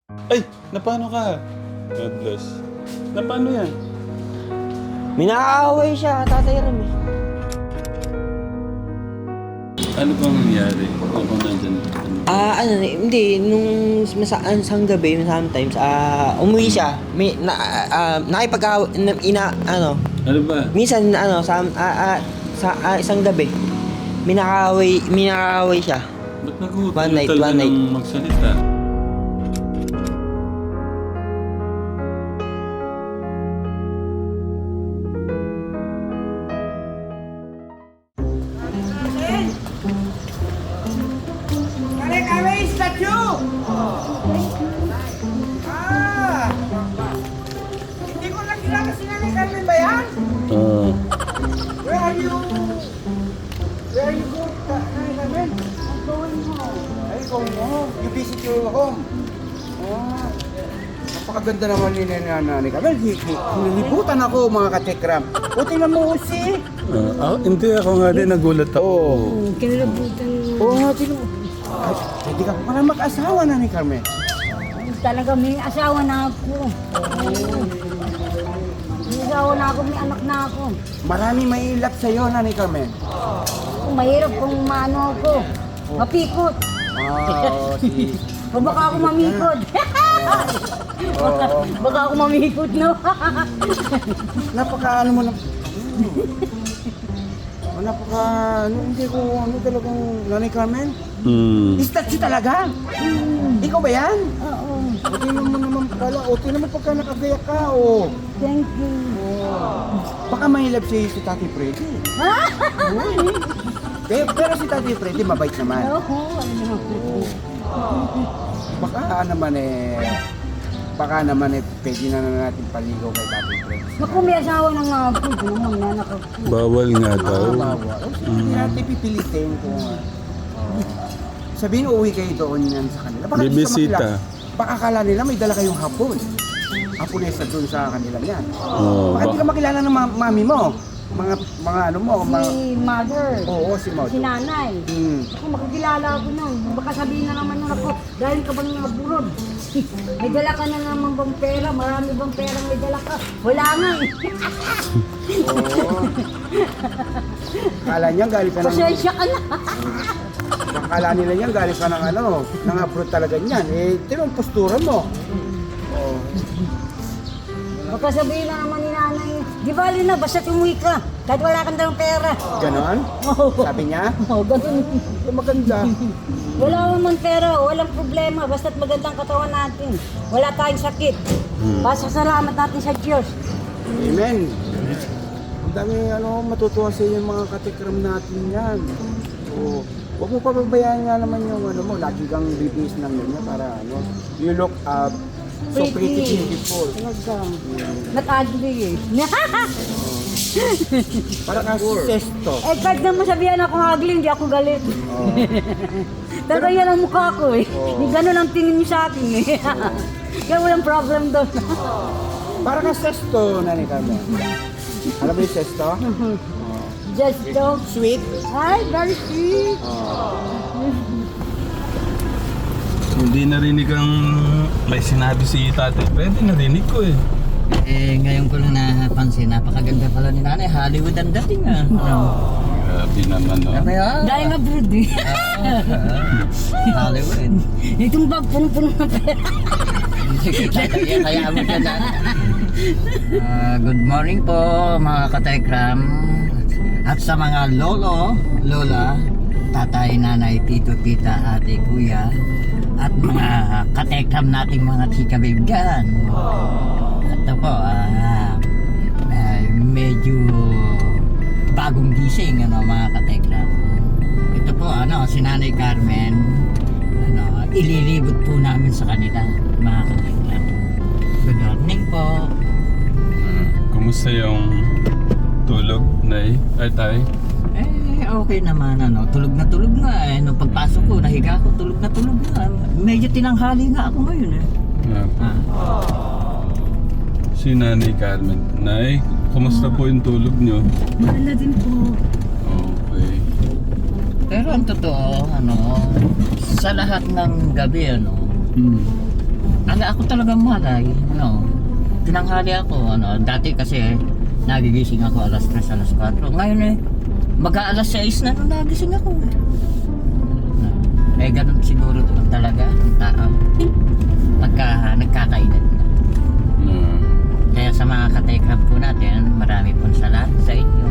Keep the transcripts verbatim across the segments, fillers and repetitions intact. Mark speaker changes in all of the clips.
Speaker 1: Ay, napano ka? God bless. Napano yan?
Speaker 2: Minaaway siya, Tatay Ram eh.
Speaker 1: Ano bang nangyari? Ako nandyan. Ano?
Speaker 2: Ah, ano, hindi, nung masaan sang gabi, sometimes, ah, umuwi siya. May, na, ah, nakipag na, ina, ano,
Speaker 1: Ano ba?
Speaker 2: minsan, ano, sa, ah, ah, sa ah, isang gabi, minakaaway, minakaaway siya.
Speaker 1: Ba't nag-uutal
Speaker 2: One night,
Speaker 1: ka
Speaker 2: one night.
Speaker 1: ng magsalita?
Speaker 3: Kare kare statue! Ah! Hindi ko na kilala si Nanay Carmen ba yan?
Speaker 1: Oo.
Speaker 3: Where are you? Where are you going, Ka- Nanay Carmen? I'm going home. Ay, going home? You visit your home? Ah. Napakaganda naman ni Nanay Carmen. Hi- hi- Hinihibutan ako mga katekram. O, tingnan mo si...
Speaker 1: Ah, ah, hindi ako nga din nagulat ako.
Speaker 3: Oo.
Speaker 4: Kinalabutan mo.
Speaker 3: Oo nga, tingnan mo. Ay, Hindi ka pala mag-asawa, Nanay Carmen.
Speaker 4: Talaga may asawa na ako. May asawa na ako, may anak na ako.
Speaker 3: Marami may ilap sa'yo, Nanay Carmen.
Speaker 4: Kung mahirap kung maano ako. Mapikot.
Speaker 3: Ah, si...
Speaker 4: O baka ako mamikot. baka, baka ako mamikot, no?
Speaker 3: Napaka ano mo na... Oh, napaka... Ano, hindi ko... Ano talagang... Nanay Carmen?
Speaker 1: Hmm.
Speaker 3: Statue talaga? Ikaw ba yan?
Speaker 4: Oo.
Speaker 3: O, tingnan mo naman pala. O, tingnan mo pagka nakagaya ka. O.
Speaker 4: Thank you.
Speaker 3: Baka mahilap si, si Tati Freddy. pero, pero si Tati Freddy mabait naman.
Speaker 4: Oo, ano.
Speaker 3: Baka naman eh... Baka naman eh, pwede na, na natin paligaw kay Tati Freddy.
Speaker 4: Naku, may asawa na nga ako. Ito naman, nanak ako.
Speaker 1: Bawal nga daw.
Speaker 3: Ah, bawa. O, sige, hindi natin pipilitin kung... ah, sabihin, uuwi kayo doon yan sa kanila. Baka di ka
Speaker 1: Bibisita.
Speaker 3: makilala. Baka akala nila may dala kayong hapon. Haponesa doon sa kanila yan.
Speaker 1: Oo.
Speaker 3: Baka di ka makilala ng ma- mami mo. Mga, mga ano mo. Mga...
Speaker 4: Si mother.
Speaker 3: Oo, si Maud.
Speaker 4: Si nanay.
Speaker 3: Hmm.
Speaker 4: Ako makikilala ako nun. Baka sabihin na naman nun ako, dahil ka bang naburod? May dala ka na naman bang pera? Marami bang pera may dala ka? Wala nga eh.
Speaker 3: Oo. Akala niya galing ka ng...
Speaker 4: Pasensya ka na.
Speaker 3: Akala nila niya galing ka ng ano. Nang abroad talaga niyan. Eh, tingnan ang postura mo. Oo.
Speaker 4: Baka sabihin na naman ni nanay, di bali na, basta umuwi ka. Kahit wala kang dalang pera.
Speaker 3: Ganon?
Speaker 4: Oo.
Speaker 3: Sabi niya?
Speaker 4: Oo, ganun.
Speaker 3: Eh, maganda.
Speaker 4: Wala naman pera, walang problema. Basta't magandang katawan natin. Wala tayong sakit. Basta salamat natin sa Diyos.
Speaker 3: Amen. Ang dami ano, matutuwa sa yung mga katikram natin yan. So, huwag mo pababayaan nga naman yung ano mo, lagi kang bibis ng ganyan para ano, you look up so pretty beautiful.
Speaker 4: Talaga. Not ugly eh.
Speaker 3: Para kang sesto.
Speaker 4: Eh, kahit naman sabihan ako ugly, hindi ako galit.
Speaker 3: Oh.
Speaker 4: Talaga yan ang mukha ko eh.
Speaker 3: Oo.
Speaker 4: Yung ganun ang tingin niyo sa akin eh. Kaya walang problem doon.
Speaker 3: Para kang sesto, Nanay Carmen. Alam mo yung sesto?
Speaker 4: Just don't.
Speaker 3: Sweet.
Speaker 4: Ay, very sweet.
Speaker 1: Hindi narinig ang may sinabi si Tatay Freddy. Narinig ko eh.
Speaker 2: Eh, ngayon ko lang napansin, napakaganda pala ni nanay. Hollywood ang dating ah. Ano?
Speaker 1: Grabe naman no.
Speaker 2: Ano yan?
Speaker 4: Dahil nga brood eh.
Speaker 2: Hollywood.
Speaker 4: Itong bag puno-puno na pera.
Speaker 2: Kaya, kaya mo siya na. Ah, good morning po mga katekram. At sa mga lolo, lola, tatay, nanay, tito, tita, ate, kuya, at mga katekram nating mga chika-bibgan. Ito po, ah, ah, medyo bagong gising, ano, mga katekram. Ito po, ano, si Nanay Carmen, ano, ililibot po namin sa kanila, mga katekram. Good morning po.
Speaker 1: Hmm. Kumusta yung tulog, Nay? Ay, Tay?
Speaker 2: Eh, okay naman, ano, tulog na tulog nga eh. Nung pagpasok ko, nahiga ako, tulog na tulog nga. Medyo tinanghali nga ako ngayon eh.
Speaker 1: Nga po.
Speaker 2: Ah.
Speaker 1: Si Nanay Carmen. Nay, kumusta po yung tulog nyo?
Speaker 4: Mahal din po.
Speaker 1: Okay.
Speaker 2: Pero ang totoo, ano, sa lahat ng gabi, ano,
Speaker 1: Hmm.
Speaker 2: ang talaga, ako talaga malay. Ano, tinanghali ako. Ano, dati kasi nagigising ako alas tres, alas kwatro. Ngayon eh, mag-aalas sais na nung nagising ako. Eh, ganun siguro doon talaga ang tao. Pagka nagkakaedad na.
Speaker 1: Ah.
Speaker 2: Kaya sa mga katekrab po natin, marami pong salamat sa inyo.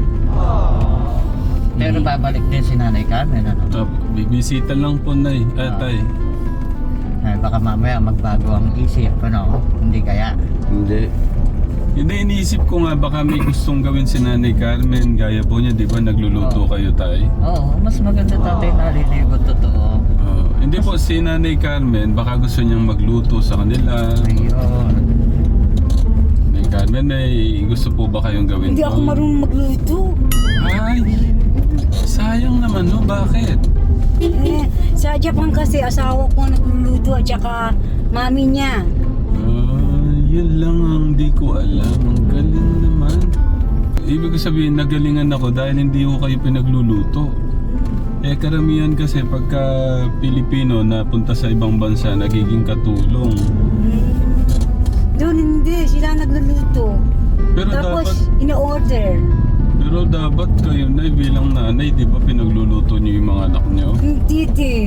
Speaker 2: Pero babalik din si Nanay Carmen, ano?
Speaker 1: Ah, bibisita lang po, Nay. Ah, Tay.
Speaker 2: Eh, baka mamaya magbago ang isip, ano? Hindi kaya.
Speaker 1: Hindi. Hindi, iniisip ko nga baka may gustong gawin si Nanay Carmen. Gaya po niya, di ba, nagluluto
Speaker 2: Oo.
Speaker 1: kayo, Tay?
Speaker 2: Oo, mas maganda tatay naliligot, totoo.
Speaker 1: Ah, hindi po, si Nanay Carmen, baka gusto niyang magluto sa kanila.
Speaker 2: Ayun.
Speaker 1: Nanay Carmen, may gusto po ba kayong gawin
Speaker 4: Hindi
Speaker 1: po?
Speaker 4: ako marunong magluto.
Speaker 1: Ay, sayang naman, no? Bakit?
Speaker 4: Eh, sa Japan kasi asawa ko nagluluto at saka mami niya.
Speaker 1: Ah, yun lang ang di ko alam. Ang galing naman. Ibig ko sabihin, nagalingan ako dahil hindi ko kayo pinagluluto. Eh, karamihan kasi pagka Pilipino na punta sa ibang bansa, nagiging katulong.
Speaker 4: Hmm. Doon hindi, sila nagluluto.
Speaker 1: Pero
Speaker 4: Tapos
Speaker 1: dapat,
Speaker 4: ina-order.
Speaker 1: pero dapat kayo na bilang nanay, di ba pinagluluto niyo yung mga anak niyo?
Speaker 4: Hindi din.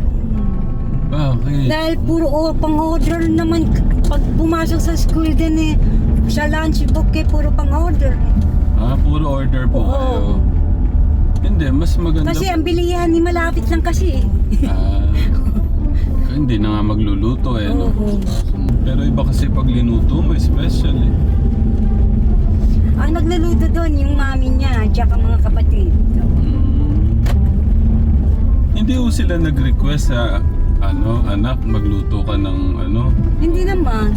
Speaker 1: Bakit?
Speaker 4: Dahil puro o, pang-order naman pag pumasok sa school din eh. Sa lunchbook eh, puro pang-order.
Speaker 1: Ah, puro order po
Speaker 4: Oo.
Speaker 1: kayo. Hindi, mas maganda.
Speaker 4: Kasi ang bilihan ni malapit lang kasi eh.
Speaker 1: Ah, hindi na nga magluluto eh, no?
Speaker 4: Oo.
Speaker 1: Pero iba kasi pag linuto mo, special eh.
Speaker 4: Ang nagluluto doon, yung mami niya, at saka mga kapatid.
Speaker 1: Mm. Hindi ko sila nag-request sa ano, anak, magluto ka ng ano.
Speaker 4: Hindi naman.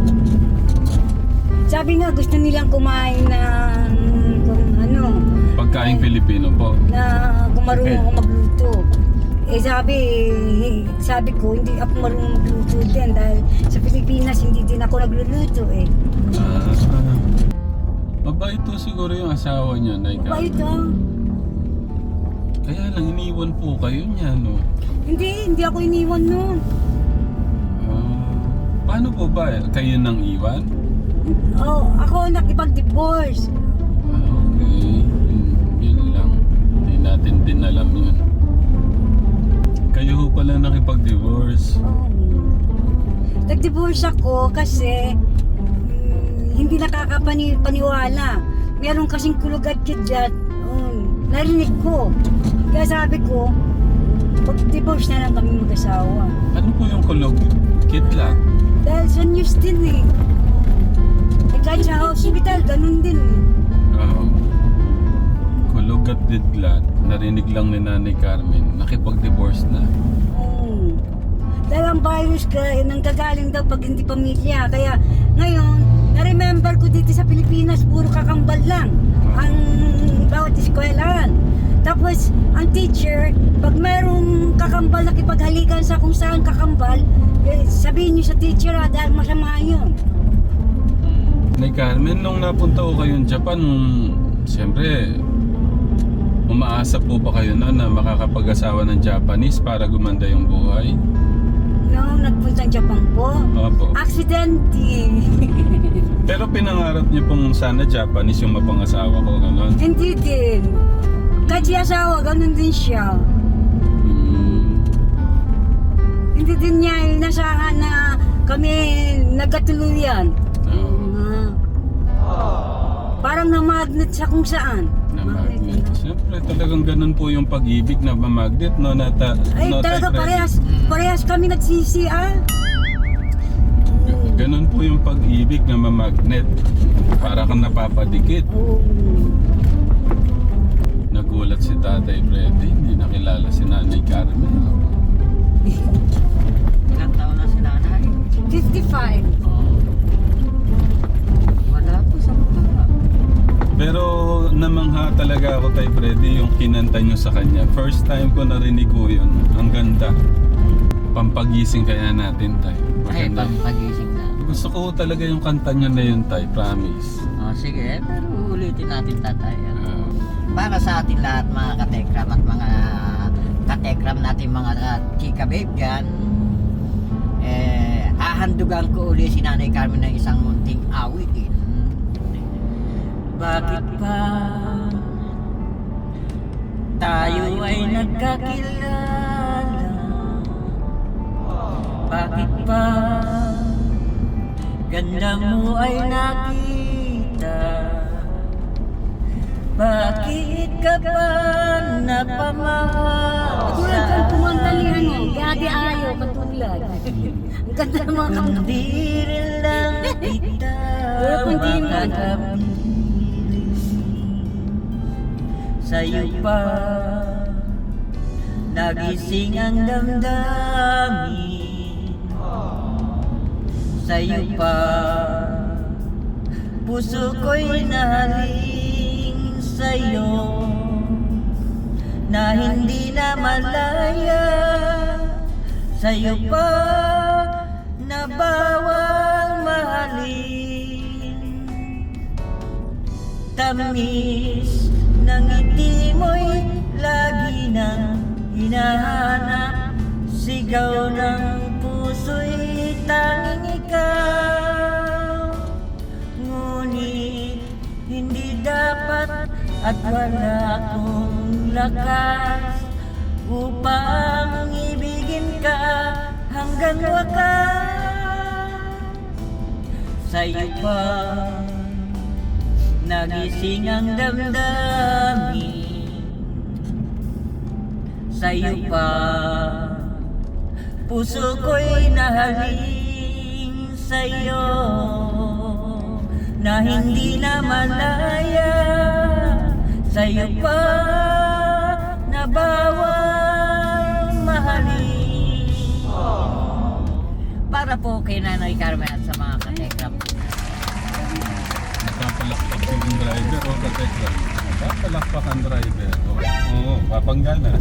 Speaker 4: Sabi nga, gusto nilang kumain ng kung ano,
Speaker 1: Pagkain Pilipino po.
Speaker 4: na kung marunong ako magluto. Eh sabi, sabi ko, hindi ako marunong magluto din dahil sa Pilipinas hindi din ako nagluluto eh.
Speaker 1: Ah, mabait to siguro yung asawa niya, Nay
Speaker 4: Ba
Speaker 1: Carmen.
Speaker 4: ito?
Speaker 1: Kaya lang iniwan po kayo niya, no?
Speaker 4: Hindi, hindi ako iniwan noon.
Speaker 1: Ah, paano po ba? Kayo nang iwan?
Speaker 4: Oh, ako nakipag-divorce.
Speaker 1: Ah, okay. Yun, yun lang. Hindi natin din alam yun. Kayo ho pala nakipag-divorce.
Speaker 4: Oh. Nag-divorce ako kasi mm, hindi nakakapaniwala. Meron kasing kulog at kidlat. Oh, narinig ko. Kaya sabi ko, pag-divorce na lang kami mag-asawa.
Speaker 1: Ano po yung kulog? Kidlat?
Speaker 4: Dahil sa news din eh. Eh kahit sa hospital, ganun din eh.
Speaker 1: Oo. Kulog at didlat. Narinig lang ni Nanay Carmen. Nakipag-divorce na.
Speaker 4: Oo. Dahil ang virus ka, eh, nanggagaling daw pag hindi pamilya. Kaya ngayon, na-remember ko dito sa Pilipinas, puro kakambal lang ang bawat eskwelahan. Tapos, ang teacher, pag mayroong kakambal na kipaghalikan sa kung saan kakambal, eh, sabihin niyo sa teacher ah, dahil masama yun.
Speaker 1: Nay Carmen, nung napunta ko kayong Japan, siyempre, umaasa po ba kayo na na makakapag-asawa ng Japanese para gumanda yung buhay?
Speaker 4: No, nagpunta ng Japan po.
Speaker 1: Opo.
Speaker 4: Aksidente.
Speaker 1: Pero pinangarap niyo pong sana Japanese yung mapangasawa ko, gano'n?
Speaker 4: Hindi din. Kahit si asawa, ganun din siya.
Speaker 1: Hmm.
Speaker 4: Hindi din niya inasahan na kami nagkatuluyan.
Speaker 1: Oo.
Speaker 4: Ah. Parang na-magnet sa kung saan.
Speaker 1: Na magnet. Siyempre, talagang ganun po yung pag-ibig na mamagnet, no? Nata,
Speaker 4: Ay,
Speaker 1: no,
Speaker 4: talaga
Speaker 1: type
Speaker 4: parehas, parehas kami nagsisi ah.
Speaker 1: ready. Ganun po yung pag-ibig na mamagnet. Para kang napapadikit.
Speaker 4: Oo.
Speaker 1: Nagulat si Tatay Freddy, hindi nakilala si Nanay Carmen.
Speaker 2: Ilang taon na si Nanay?
Speaker 4: fifty-five.
Speaker 2: Oo. Wala po sa mukha.
Speaker 1: Pero namangha talaga ako, Tay Freddy, yung kinanta nyo sa kanya. First time ko narinig ko yun. Ang ganda. Pampagising kaya natin, Tay.
Speaker 2: Ay,
Speaker 1: Maganda.
Speaker 2: pampagising na.
Speaker 1: Gusto ko talaga yung kanta nyo na yun, Tay. Promise.
Speaker 2: Oh, sige, pero ulitin natin tatay.
Speaker 1: Ah,
Speaker 2: Para sa atin lahat mga katekram at mga katekram natin mga uh, chika babe dyan, eh, haha hahandugan ko uli si Nanay Carmen ng isang munting awitin. Bakit pa tayo ay nagkakilala? Bakit pa ganda mo ay nakita? Bakit ka pa napamahal?
Speaker 4: Katulad kang kumantalihan mo, gagi ayaw, katulad. Ang ganda ng mga kanta.
Speaker 2: Hindi rin lang kita
Speaker 4: Pero kung di mo,
Speaker 2: makakapili. Sa'yo pa nagising ang damdamin. Sa'yo pa puso ko'y nahaling sa'yo, na hindi na malaya. Sa'yo pa na bawal mahalin. Tamis ng ngiti mo'y lagi nang hinahanap. Sigaw ng puso'y tanging ikaw. Ngunit hindi dapat at wala akong lakas upang ibigin ka hanggang wakas. Sa'yo pa nagising ang damdamin. Sa'yo pa puso ko'y nahaling sa'yo, na hindi na malaya. Sa'yo pa na bawal mahalin. Para po kay Nanay Carmen at sa mga katekram.
Speaker 1: Napapalakpak yung driver o katekram. Napapalakpak ang driver. Oo, oo, papanggana.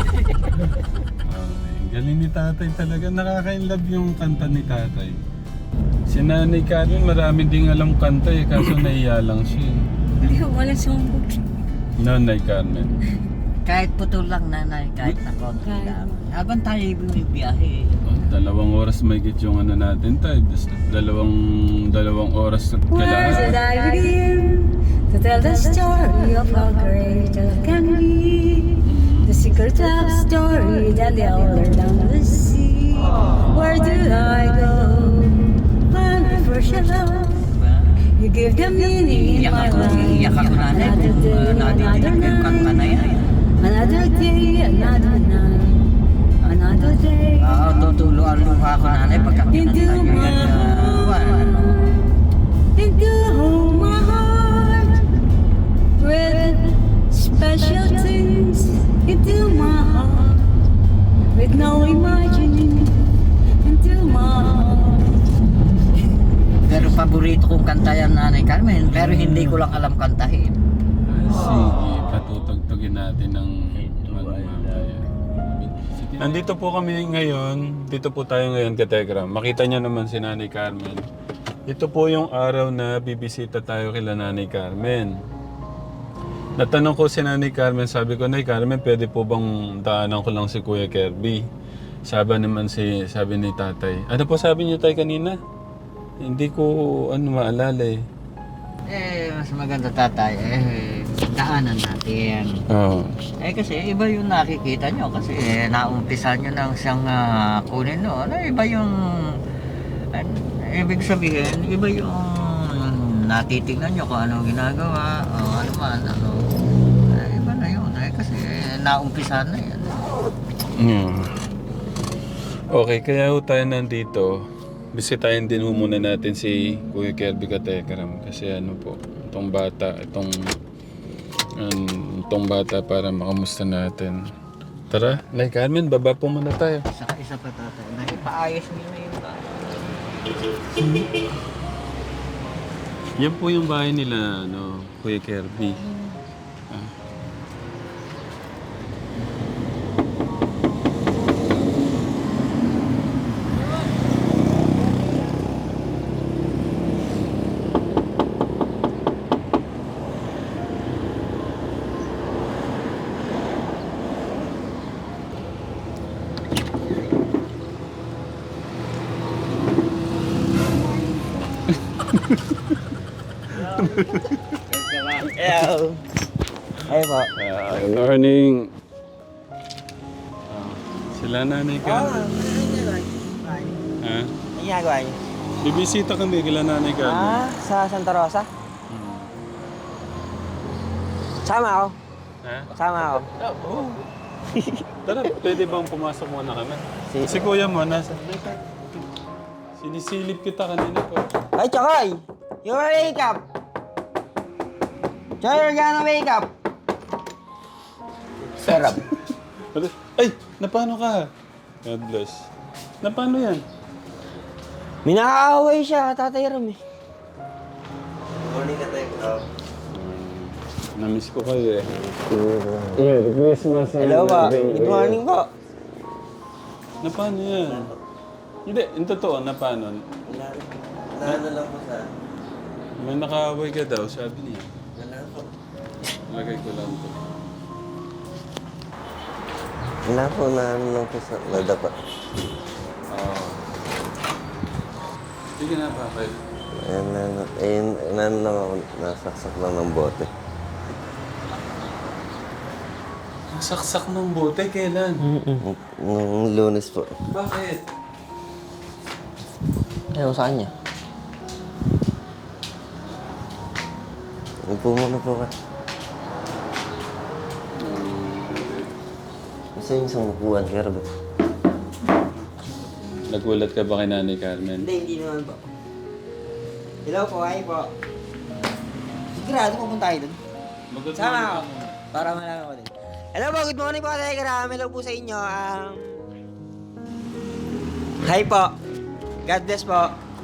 Speaker 1: Okay. Galing ni tatay talaga. Nakaka-inlove yung kanta ni tatay. Si Nanay Carmen marami ding alam kanta eh, kaso naiya lang siya.
Speaker 4: Hindi ko wala sumbog.
Speaker 1: Nanay Carmen.
Speaker 2: Kahit putol lang, Nanay, kahit na konti
Speaker 4: Kahit.
Speaker 2: lang. Habang tayo bumibiyahe.
Speaker 1: Oh, dalawang oras may git yung ano natin tayo. Dalawang, dalawang oras at
Speaker 4: Where should
Speaker 1: kailangan.
Speaker 4: I begin to tell the story of how great love can be? The secret love story that they all learn down the sea. Where do I go when I first your love? You give the meaning in
Speaker 2: Iyak
Speaker 4: my
Speaker 2: ako,
Speaker 4: life.
Speaker 2: iyak ako na rin
Speaker 4: Another
Speaker 2: kung
Speaker 4: day,
Speaker 2: uh, nadidinig
Speaker 4: another
Speaker 2: yung kanta na
Speaker 4: night.
Speaker 2: yan.
Speaker 4: Another day, another night. Another day.
Speaker 2: Oo, tutulo ang luha ko, Nanay, pagka
Speaker 4: Into
Speaker 2: kinanta nyo
Speaker 4: my
Speaker 2: yan. Uh,
Speaker 4: heart, into my heart, with special things into my heart, with no imagining into my heart.
Speaker 2: Pero paborito kong kanta yan, Nanay Carmen, pero hindi ko lang alam kantahin.
Speaker 1: Sige, patutugtugin natin ng ano mamaya. Nandito po kami ngayon, dito po tayo ngayon katekram. Makita niyo naman si Nanay Carmen. Ito po yung araw na bibisita tayo kila Nanay Carmen. Natanong ko si Nanay Carmen, sabi ko, Nanay Carmen, pwede po bang daanan ko lang si Kuya Kirby? Sabi naman si, sabi ni tatay. Ano po sabi niyo tayo kanina? Hindi ko ano maalala eh.
Speaker 2: Eh, mas maganda, tatay, eh, daanan natin.
Speaker 1: Oo.
Speaker 2: Eh, kasi iba yung nakikita nyo, kasi eh, naumpisa nyo lang siyang ah, kunin no. Ano, iba yung, eh, ibig sabihin, iba yung natitingnan nyo kung ano ginagawa, o ano man, ano. Eh, iba na yun, eh, kasi eh, naumpisa na yan.
Speaker 1: Mm. Okay, kaya ho tayo nandito. Bisitahin din ho muna natin si Kuya Kirby Katekram kasi ano po, itong bata, itong um, itong bata para makamusta natin. Tara, Nay Carmen, baba po muna tayo.
Speaker 2: Saka isa pa, tatay, na ipaayos nyo na yung bahay.
Speaker 1: Yan po yung bahay nila, ano, Kuya Kirby. Ah.
Speaker 2: Hello. Ay po.
Speaker 1: Ah, good morning. Ah, sila nanay ka. Ha?
Speaker 2: Ano ginagawa niyo?
Speaker 1: Bibisita kami kila nanay ka.
Speaker 2: Ah, sa Santa Rosa? Sama ako.
Speaker 1: Ha?
Speaker 2: Sama ako.
Speaker 1: Tara, pwede bang pumasok muna kami?
Speaker 2: Si-
Speaker 1: Si kuya mo, nasa... Sinisilip kita kanina po.
Speaker 2: Ay, Chokoy! You wake up! Chokoy, you're gonna wake up! Sarap.
Speaker 1: Ay! Napano ka? God bless. Napano yan?
Speaker 2: Minakaaway siya, Tatay Ram eh.
Speaker 1: Namiss ko kayo eh. Merry Christmas and
Speaker 2: Hello po. Good morning po.
Speaker 1: Napano yan? Hindi, yung totoo, napano?
Speaker 5: Naano lang po sa...
Speaker 1: May nakaaway ka daw, sabi niya.
Speaker 5: Wala po.
Speaker 1: Lagay ko lang to.
Speaker 5: Wala po, naano lang po sa... Nadapa.
Speaker 1: Oo. Sige na, bakit?
Speaker 5: Ayan, naano, ayun, naano lang ako, nasaksak lang ng bote.
Speaker 1: Nasaksak ng bote, kailan?
Speaker 5: Nung, nung lunes po.
Speaker 1: Bakit?
Speaker 2: Ayaw sa kanya.
Speaker 5: Upo muna po ka. Gusto yung isang upuan, Kerbo.
Speaker 1: Nagulat ka ba kay Nanay Carmen?
Speaker 2: Hindi, hindi naman po. Hello po, hi po. Sigurado pupunta tayo dun.
Speaker 1: Magod
Speaker 2: Sama ako. Para malaman ko din. Hello po, good morning po, Tatay Ram. Hello po sa inyo. Um, hi po. God bless po.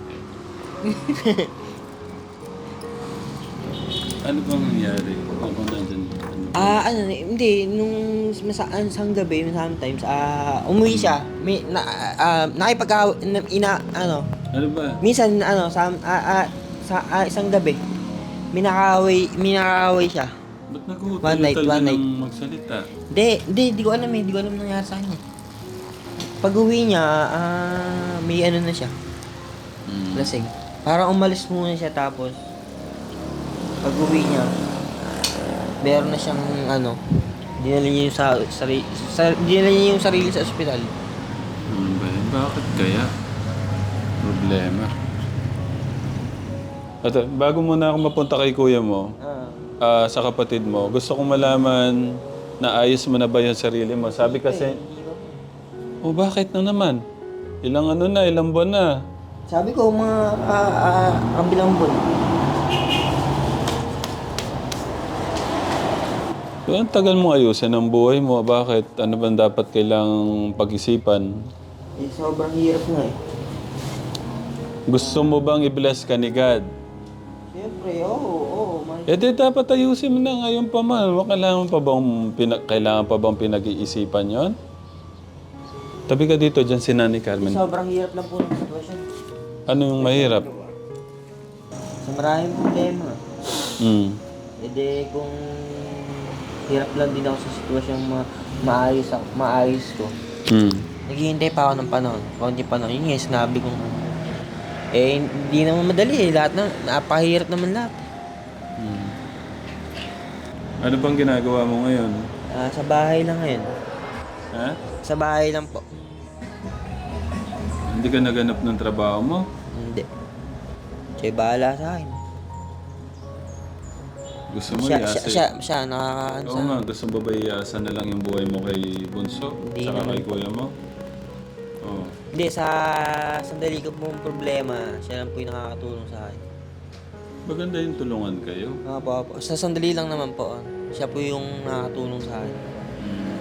Speaker 1: Ano bang nangyari? Ako nandyan. Ano?
Speaker 2: Ah, ano, hindi, nung masaan sang gabi, sometimes, ah, umuwi siya. May, na, ah, nakipag na, ina, ano,
Speaker 1: Ano ba?
Speaker 2: minsan, ano, sa, ah, ah, sa, ah, isang gabi, minakaway, minakaway siya.
Speaker 1: Ba't nag-uutal
Speaker 2: One night, one night.
Speaker 1: ng magsalita?
Speaker 2: Hindi, hindi, di ko alam eh, di ko alam nangyari sa kanya. Pag uwi niya, ah, may ano na siya,
Speaker 1: Mm.
Speaker 2: lasing. Parang umalis muna siya tapos, pag uwi niya, meron na siyang, ano, dinala niya yung sa, sari, sa, dinala niya yung sarili sa ospital.
Speaker 1: Ano ba yun? Bakit kaya? Problema. At bago muna ako mapunta kay kuya mo,
Speaker 2: Ah.
Speaker 1: ah, sa kapatid mo, gusto kong malaman na ayos mo na ba yung sarili mo? Sabi kasi, oh bakit na naman? Ilang ano na, ilang buwan na.
Speaker 2: Sabi ko, mga ah, ah, kabilang buwan.
Speaker 1: So, ang tagal mo ayusin ang buhay mo. Bakit? Ano bang dapat kailangang pag-isipan?
Speaker 2: Eh, sobrang hirap nga eh.
Speaker 1: Gusto mo bang i-bless ka ni God?
Speaker 2: Siyempre, oo, oo. may-
Speaker 1: Eh di dapat ayusin mo na ngayon pa man. Kailangan pa bang, pina- kailangan pa bang pinag-iisipan yon? Tabi ka dito dyan si Nanay Carmen.
Speaker 2: Sobrang hirap lang po ng sitwasyon.
Speaker 1: Ano yung mahirap?
Speaker 2: Sa maraming problema.
Speaker 1: Hmm.
Speaker 2: E de, kung hirap lang din ako sa sitwasyong ma- maayos, ako, maayos ko.
Speaker 1: Hmm.
Speaker 2: Naghihintay pa ako ng panahon. Konti panahon. Yun nga, sinabi kong eh, hindi naman madali eh. Lahat na, napahirap naman lahat.
Speaker 1: Hmm. Ano bang ginagawa mo ngayon?
Speaker 2: Ah, sa bahay lang ngayon.
Speaker 1: Ha?
Speaker 2: Sa bahay lang po.
Speaker 1: Hindi ka naganap ng trabaho mo?
Speaker 2: Hindi. Siya bahala sa akin.
Speaker 1: Gusto mo
Speaker 2: Siya,
Speaker 1: iasa?
Speaker 2: siya, siya, siya, nakakaano
Speaker 1: Oo
Speaker 2: sa
Speaker 1: nga, gusto mo ba iasa na lang yung buhay mo kay Bunso?
Speaker 2: Hindi
Speaker 1: Saka
Speaker 2: naman
Speaker 1: kay
Speaker 2: po.
Speaker 1: kuya mo? Oo.
Speaker 2: Hindi, sa sandali ko pong problema, siya lang po yung nakakatulong sa akin.
Speaker 1: Maganda yung tulungan kayo.
Speaker 2: Nga po, po. Sa sandali lang naman po, ah. siya po yung nakakatulong sa akin.
Speaker 1: Mm.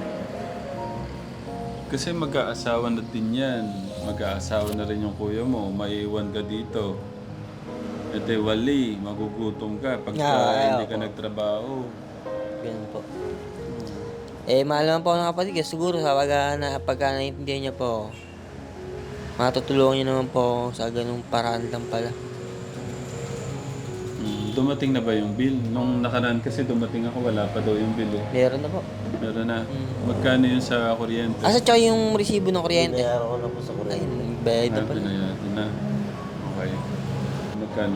Speaker 1: Kasi mag-aasawa na din yan. Mag-aasawa na rin yung kuya mo. Maiiwan ka dito. E de wali, magugutom ka pagka
Speaker 2: Ah,
Speaker 1: hindi
Speaker 2: ayaw
Speaker 1: ka
Speaker 2: po.
Speaker 1: nagtrabaho.
Speaker 2: Ganun po. Eh, mahal naman po ako ng kapatid ko. Siguro sa pagka, na, pagka naiintindihan niya po, matutulungan niya naman po ako sa ganung paraan lang pala.
Speaker 1: Mm. Dumating na ba yung bill? Nung nakaraan kasi dumating ako, wala pa daw yung bill eh.
Speaker 2: Meron na po.
Speaker 1: Meron na.
Speaker 2: Mm.
Speaker 1: Magkano yun sa kuryente?
Speaker 2: Asa tsaka yung resibo ng kuryente?
Speaker 5: Binayaran ko na po sa
Speaker 2: Ay,
Speaker 5: kuryente.
Speaker 2: bayad na
Speaker 1: Ah,
Speaker 2: pala.
Speaker 1: pinayaran na. Okay. Kano?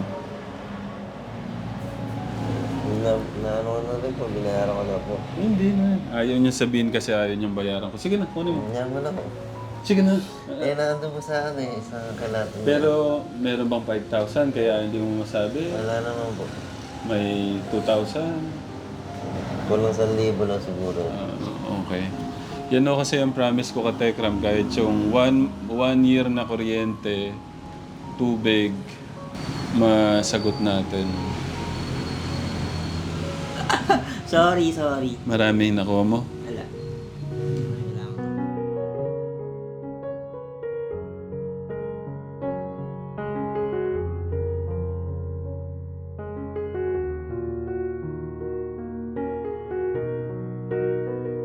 Speaker 5: Na, na ano ko na rin po, binayaran ko na po.
Speaker 1: Hindi na. Ayaw niya sabihin kasi ayaw niyang bayaran ko. Sige na, kunin mo.
Speaker 5: Yan mo na po.
Speaker 1: Sige na.
Speaker 5: Eh, nandun po sa ano eh, sa kalatan.
Speaker 1: Pero meron bang five thousand kaya hindi mo masabi?
Speaker 5: Wala naman po.
Speaker 1: May two thousand.
Speaker 5: Kulang sa libo lang siguro.
Speaker 1: Ah, okay. Yan o kasi ang promise ko ka Tekram, kahit yung one, one year na kuryente, tubig, masagot natin.
Speaker 2: Sorry, sorry.
Speaker 1: Maraming nakuha mo?